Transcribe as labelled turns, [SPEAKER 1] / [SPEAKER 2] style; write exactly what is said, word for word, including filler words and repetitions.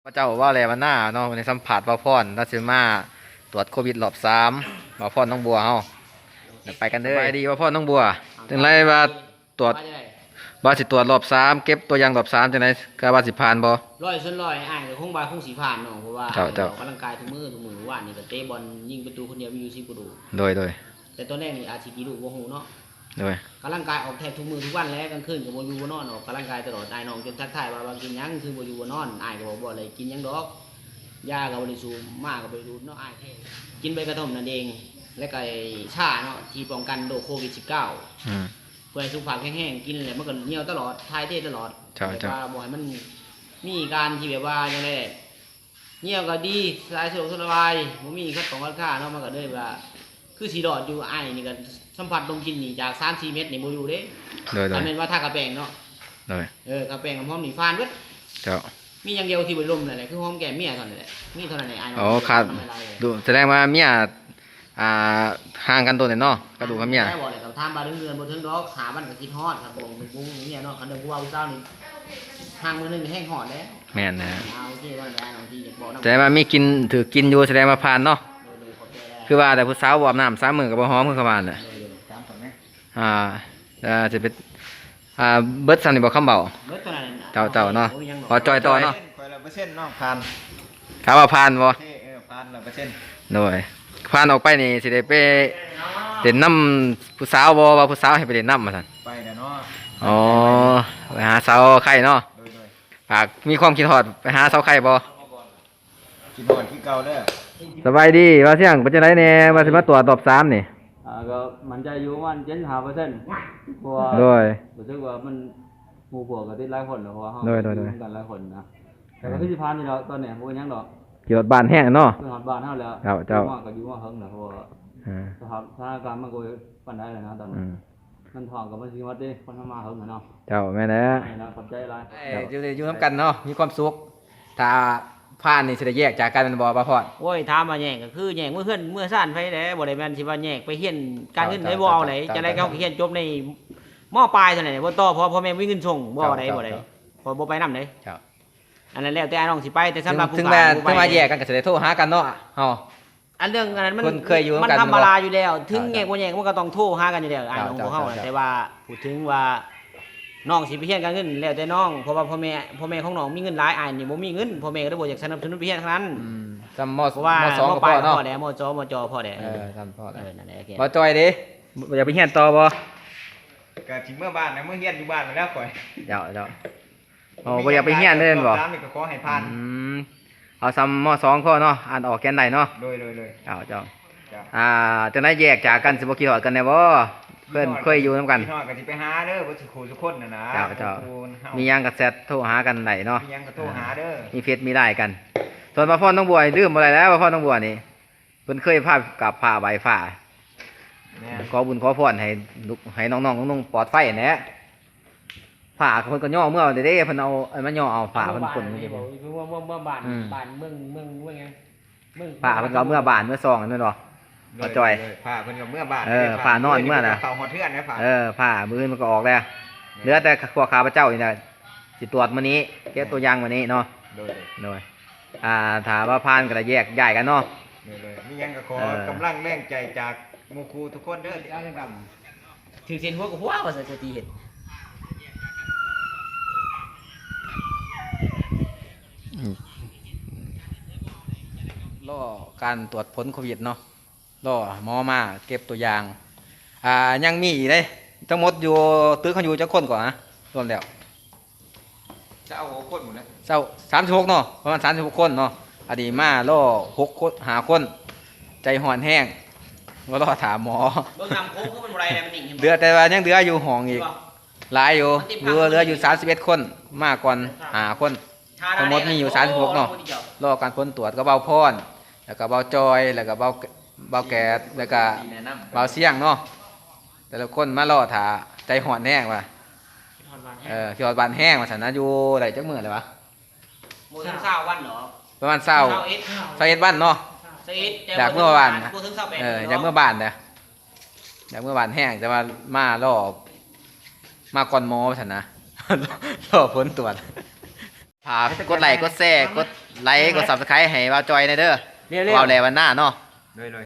[SPEAKER 1] เจ้าว่าอะไรวันหน้าเนาะในสัมผัสบ่าวพรรัสเมาตรวจโควิดรอบสามบ่าวพรน้องบัวเฮาเดี๋ยวไปกันเด้อไปดีบ่าวพรน้องบัวจังไรว่าตรวจว่าสิตรวจรอบสามเก็บตัวอย่างรอบสามจังไรก็ว่าสิผ่านบ่
[SPEAKER 2] ร้อยส่วนร้อยอ้ายก็คงบาคงสีผ่านเนาะเพราะว่า
[SPEAKER 1] เจ้าเจ้า
[SPEAKER 2] ออกกำลังกายทุกมื้อทุกมื้อว่านนี่ก็เตะบอลยิงประตูคนเดียวมีอยู่สิบประตู
[SPEAKER 1] โดยโดย
[SPEAKER 2] แต่ตอนแรกนี่อาจสิกี่ลูกบ่ฮู้เนาะ
[SPEAKER 1] โดย
[SPEAKER 2] กำลังกายออกแทบทุกมื้อทุกวันแล้วกลางคืนก็บ่อยู่บ่นอนออกกำลังกายตลอดอ้ายน้องจนทักทายว่าว่ากินหยังคือบ่อยู่บ่นอนอ้ายก็บอกบ่เลยกินหยังดอกยาก็บ่ได้สูบมากก็บ่ได้ดูดเนาะอ้ายแท้กินใบกระท่อมนั่นเองแล้วก็ไอ้ชาเนาะที่ป้องกันโรคโควิดสิบเก้า
[SPEAKER 1] อืม
[SPEAKER 2] เพื่อให้สุขภาพแข็งแรงกินแล้วมันก็เหนียวตลอดทายเทตลอด
[SPEAKER 1] ใช่
[SPEAKER 2] แบบ
[SPEAKER 1] ใช่
[SPEAKER 2] ว่าบ่ให้มันมีการที่แบบว่าอย่างไรเหนียวก็ดีสายสะดวกสบายบ่มีคัดของคัดค่าเนาะมันก็เลยว่าคือสีดอดอยู่อ้ายนี่ก็สัมผัสดมกลินนี่จาก สามสี่ เม็ดนี่บ่อยู่เด้
[SPEAKER 1] โดยโด
[SPEAKER 2] อั
[SPEAKER 1] ย
[SPEAKER 2] นเป็นว่าทากระแปงเนาะ
[SPEAKER 1] โดย
[SPEAKER 2] เออกระแปงกับหอมนี่ฟานเบิด
[SPEAKER 1] เจ้า
[SPEAKER 2] มีอย่างเดียวที่บ่ลมนั่นแหละคือหอมแก้มเมียเท่านั้นแหละมีเท่านั้นแหละอ้ายเนาะ
[SPEAKER 1] อ๋อขาด
[SPEAKER 2] ทำอะไรเลย
[SPEAKER 1] ดูแสดงว่าเมียอ่าห่างกันตัวเนี่ยเนาะกระดูกกับเมีย
[SPEAKER 2] ได้บ่เลยครับถามบ่าเดือนบ่ถึงดอกหาบ้านก็คิดฮอดครับผมบุ้งเมียเนาะคันเดิมผู้ว่าผู้สาวนี่ห่างมื้อนึงนี่แห้งฮอดแล้ว
[SPEAKER 1] แม่นนะ
[SPEAKER 2] เอาโอเคว่าแล้วน้องที่อยากบอกน้ำ
[SPEAKER 1] แสดงว่ามีกินถือกินอยู่แสดงว่าผ่านเนาะ
[SPEAKER 2] โดยโดยขอบใจแล้ว
[SPEAKER 1] คือว่าแต่ผู้สาวบอาบน้ำสามมือกับบ่หอมคือเขาว่าน่ะ
[SPEAKER 2] โดยโดยตามผมนะ
[SPEAKER 1] อ่าอ่าจะเป็นอ่าเบิดซันนี่บ่คำเบา
[SPEAKER 2] เบิดตัวนั้น
[SPEAKER 1] เจ้าเจ้าเนาะ
[SPEAKER 2] โยยัง
[SPEAKER 1] ขอจอยต่อเนาะ
[SPEAKER 3] คอยละเปอร์เซ็นต์เนาะผ่าน
[SPEAKER 1] ถามว่าผ่านบ่
[SPEAKER 3] เท่เออผ่านละเปอร์เซ็นต์
[SPEAKER 1] โดยผ่านออกไปนี่สิได้ไปเล่นน้ำผู้สาวบ่ว่าผู้สาวให้ไปเล่นน้ำมาซั่น
[SPEAKER 3] ไปเดี๋ยวเนาะ
[SPEAKER 1] อ๋อไปหาสาวไข่เนาะ
[SPEAKER 3] โดยโดย
[SPEAKER 1] ฝากมีความคิดฮอดไปหาสาวไข่บ่
[SPEAKER 3] กินหอนที่เก่าเด้อ
[SPEAKER 1] สบายดีว่าเสียงเป็นจังไดแน่ว่าสิมาตรวจรอบสามนี่
[SPEAKER 4] อ่าก็มันจะอยู่ประมันเจ็ดสิบห้าเปอร์เซ็นต์เพราะว่า
[SPEAKER 1] โดย
[SPEAKER 4] รู้สึกว่ามันหมู่พวกก็ติดหลายคนเนอะเพราะว่าเฮา
[SPEAKER 1] โดยโดยโดย
[SPEAKER 4] อกันหลายคนนะแต่ก็คือสิพานนี่เราตอนเนี้ยบ่เป็นหยังดอก
[SPEAKER 1] ขี่รถบ้านแห้งเนาะ
[SPEAKER 4] เพิ่นฮอดบ้านเฮาแล้ว
[SPEAKER 1] เจ้าเจ้า
[SPEAKER 4] อยู่มาก็อยู่มาเฮิงน่ะเพราะว่า
[SPEAKER 1] อ่า
[SPEAKER 4] สภาพสถานการณ์มันก็ปานใดแล้วนะตอน
[SPEAKER 1] อื
[SPEAKER 4] นี้
[SPEAKER 1] ม
[SPEAKER 4] มันท้องก็มันสิฮอดเด้คนทำมาเฮิงน่ะเนาะ
[SPEAKER 1] เจ้าแม่นแล้ว
[SPEAKER 4] นี่นะขอบใจหลาย
[SPEAKER 1] อยู่อยู่นํกันเนาะมีความสุขถ้าผ่านนี่สิได้แยกจากกันแม่นบ่บ่พอด
[SPEAKER 2] โอ้ยถามมาแย่งก็คือแย่งเมื่อเพื่อนเมื่อซ่านไปแล้วบ่ได้แม่นสิว่าแย่งไปเฮียนการเงินได้บ่เอาไหนจะได้เขาเฮียนจบในมอปลายเท่านั้นแหละบ่ต่อเพอพ่อแม่มีเงินส่งบ่เอาไหนบ่ได้พอบ่ไปนำได้
[SPEAKER 1] เจ้า
[SPEAKER 2] อันนั้นแล้วแต่น้องสิไปแต่สำหรับผู้
[SPEAKER 1] ถึง
[SPEAKER 2] ก
[SPEAKER 1] แม้
[SPEAKER 2] ลาง
[SPEAKER 1] ถึงมาแยกกันก็สิได้โทรหากันเนาะเฮา
[SPEAKER 2] อันเรื่องอันนั้นมัน
[SPEAKER 1] คนเคยอยู่
[SPEAKER 2] มัน
[SPEAKER 1] กัน
[SPEAKER 2] ธรรมดาอยู่แล้ว ถึง
[SPEAKER 1] เจ้า
[SPEAKER 2] แย่งบ่แย่งมันก็ต้องโทรหากันอยู่แล้วอ้ายน้อง
[SPEAKER 1] เจ้า
[SPEAKER 2] ของเฮา
[SPEAKER 1] เจ้า
[SPEAKER 2] แต่ว่าพูดถึงว่าน้องสิไปเฮียนการเงินแล้วแต่น้องเพราะว่าพ่อแม่พ่อแม่ของน้องมีเงินหลายอ้ายนี่บ่มีเงินพ่อแม่ก็เลยบ่อยากสนับสนุนไปเฮียนทั้งนั้น
[SPEAKER 1] อืมจำม
[SPEAKER 2] เพราะว่าม
[SPEAKER 1] สอง
[SPEAKER 2] ม
[SPEAKER 1] ก็
[SPEAKER 2] ป
[SPEAKER 1] พ
[SPEAKER 2] ลาย
[SPEAKER 1] อเนาะ
[SPEAKER 2] พ่อแดมจอมจอพ่อแด
[SPEAKER 1] เออจำพอ
[SPEAKER 2] เอ
[SPEAKER 1] แล้ว
[SPEAKER 2] อนั่นแหละโอเค
[SPEAKER 1] บ่จอยเด้อย่าไปเฮียนต่อบ่
[SPEAKER 3] ก็ถึงเมื่อบ้านนะเมื่อเฮียนอยู่บ้านมาแล้วข่อย
[SPEAKER 1] เจ้าเจ้าโอ้บ่อยากไปเฮียนเล่นบ่
[SPEAKER 3] รอบสามนี่ก็ขอให้ผ่าน
[SPEAKER 1] อืมเอาซ้ำมสองข้อเนาะอ่านออกแกนใดเนาะ
[SPEAKER 3] โดยโดยโดย
[SPEAKER 1] เจ้าเจ้า
[SPEAKER 3] จ้ะ
[SPEAKER 1] อ่าจังได๋แยกจากกันสิบ่คิดฮอดกันแน่บ่เพิ่นเคยอยู่นํกัน
[SPEAKER 3] พี่น้องก็สิไปหาเด้อบ่สิขู่ทุกคนน่ะนะ
[SPEAKER 1] เจ้าเจ้า
[SPEAKER 3] ขอบคุณเฮา
[SPEAKER 1] มีหยังก็แชทโทรหากันได้เนาะ
[SPEAKER 3] มีหยังก็โทรหาเด้อ
[SPEAKER 1] มีเฟซมีไลน์กัน ส่วนมาพ่อน้องบัวนี่ลืมอะไรแล้วมาพ่อน้องบัวนี่เพิ่นเคยพากับพาใบฟ้า
[SPEAKER 3] เนี่ย
[SPEAKER 1] ขอบุญขอพรให้ลูกให้น้องๆนุ่งๆปลอดภัยแหน่ผ้าเพิ่นก็ย่อเมื่อเด้ๆเพิ่นเอาไอ้มันย่อเอาผ้าเพิ่นคนนี่
[SPEAKER 2] เมื่อเมื่อเมื่อเมื่อบ้าน
[SPEAKER 1] อืม
[SPEAKER 2] บ้านเมืองเมืองเมืองไงเมือง
[SPEAKER 1] ผ้าเพิ่นก็เอาเมื่อบานเมื่อซองนั่นบ่ เอาจ่อย
[SPEAKER 3] เลยผ้าเพิ่นก็เมื่อบ้าน
[SPEAKER 1] เออผ้านอนเมื่อน่ะ
[SPEAKER 3] เฝ้าหอดเทือนนะผ้า
[SPEAKER 1] เออผ้ามือมันก็ออกแล้วเหลือแต่พวกข้าพเจ้านี่น่ะสิตรวจมื้อนี้เก็บตัวอย่างมื้อนี้เนาะ
[SPEAKER 3] โดย
[SPEAKER 1] โดยอ่าถ้าว่าผ่านก็ได้แยกย้ายกันเนาะ
[SPEAKER 3] โดยเลยมีหยังก็ขอ
[SPEAKER 1] เออ
[SPEAKER 3] กำลังแรงใจจากหมู่ครูทุกคนเด้อ
[SPEAKER 2] เอาเรื่องกรรมถือเส้นหัวกับหัวว่าสักทีเห็น
[SPEAKER 1] รอการตรวจผลโควิดเนาะรอหมอมาเก็บตัวอย่าง อ่ายังมีอีกเลยทั้งหมดอยู่ตึกเขาอยู่จักคนก่อนนะรวมแล้ว
[SPEAKER 3] จะเอาหัวคนหมดนะ
[SPEAKER 1] เจ้าสามสิบหกเนาะประมาณสามสิบหกคนเนาะอดีมาล่อหกคนหาคน ใจห่อนแห้งก็รอถามหมอ
[SPEAKER 2] เบื้องนำโค้งเขาเป็นอะไรเนี่ยมันหนิ่งห็นบ่
[SPEAKER 1] เดือแต่ว่ายังเดืออยู่ห้องอีกหลายอยู่เหลือเหลืออยู่สามสิบเอ็ดคนมากกว่าหาคน ทั้งหมดมีอยู่สามสิบหกเนาะ รอการผลตรวจก็เบาพรแล้วก็เบาจอยแล้วก็เบาเบาแกดแล้วก็เบาเสี่ยงเนาะแต่ละคนมารอถาใจห่อนแห้งว่ะเออขี้หอดบานแห้งมาสันนะอยู่ไหนจักมือเลยวะ
[SPEAKER 2] โมถึงเศร้าวันเหรอ
[SPEAKER 1] ประมาณเศร้า
[SPEAKER 2] เศร้าเอ็ด
[SPEAKER 1] เศร้าเอ็ดวันเนาะ
[SPEAKER 2] เศร้าเอ็ดแต่
[SPEAKER 1] อยากเมื่อวาน
[SPEAKER 2] โมถึงเศร้าแปด
[SPEAKER 1] เอออยากเมื่อบานนะอยากเมื่อบานแห้งแต่ว่ามารอมาก่อนหมอสันนะ รอผลตรวจผฝากกดไลค์กดแชร์กดไลค์กด Subscribe ให้บ่าวจอยในเด้อ
[SPEAKER 3] เร็วๆ
[SPEAKER 1] ว่าวแลวันหน้าเนาะ
[SPEAKER 3] เลยเลย